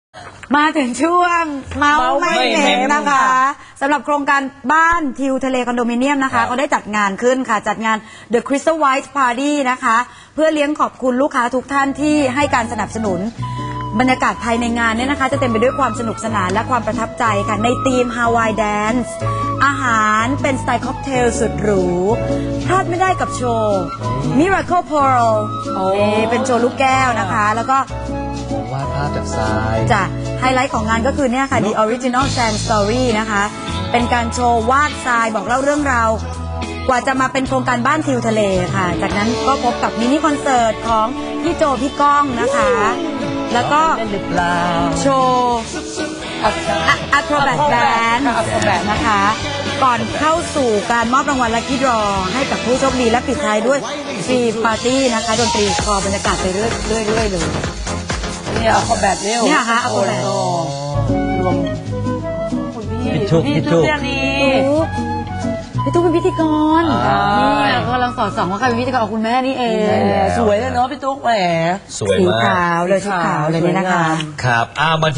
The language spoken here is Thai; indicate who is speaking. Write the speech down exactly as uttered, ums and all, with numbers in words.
Speaker 1: มาถึงช่วงเมาส์ไม่เหม็นนะคะสำหรับโครงการบ้านทิวทะเลคอนโดมิเนียมนะคะเขาได้จัดงานขึ้นค่ะจัดงาน The Crystal White Party นะคะเพื่อเลี้ยงขอบคุณลูกค้าทุกท่านที่ให้การสนับสนุนบรรยากาศภายในงานเนี่ยนะคะจะเต็มไปด้วยความสนุกสนานและความประทับใจค่ะในธีม Hawaii Dance อาหารเป็นสไตล์ค็อกเทลสุดหรูพลาดไม่ได้กับโชว์ Miracle Pearl เป็นโชว์ลูกแก้วนะคะแล้วก็
Speaker 2: วาดภาพจากทราย
Speaker 1: จ้ะไฮไลท์ของงานก็คือเนี่ยค่ะ The Original Sand Story นะคะเป็นการโชว์วาดทรายบอกเล่าเรื่องราวกว่าจะมาเป็นโครงการบ้านทิวทะเลค่ะจากนั้นก็พบกับมินิคอนเสิร์ตของพี่โจพี่ก้องนะคะแล้วก็โชว์อัครแบทแบนด์นะคะก่อนเข้าสู่การมอบรางวัลลัคกี้ดรอให้กับผู้โชคดีและปิดท้ายด้วยฟรีปาร์ตี้นะคะดนตรีคอบรรยากาศไปเรื่อยๆเลย
Speaker 3: เนี่ยเอาแบบนี้
Speaker 1: เนี่ยค่ะเอาแบบ
Speaker 3: รวม
Speaker 2: พี่ทุกพี่ทุก
Speaker 1: นี่พี่ตุ๊กเป็นพิธีกรนี่กำลังสอนสองว่าใครเป็นพิธีกรของคุณแม่นี่เอง
Speaker 3: สวยเลยเนาะพี่ตุ๊กแหม
Speaker 2: สวยมาก
Speaker 1: สีขาวเลยชุดขาวเลยนี่นะคะ
Speaker 2: ครับอ่ามา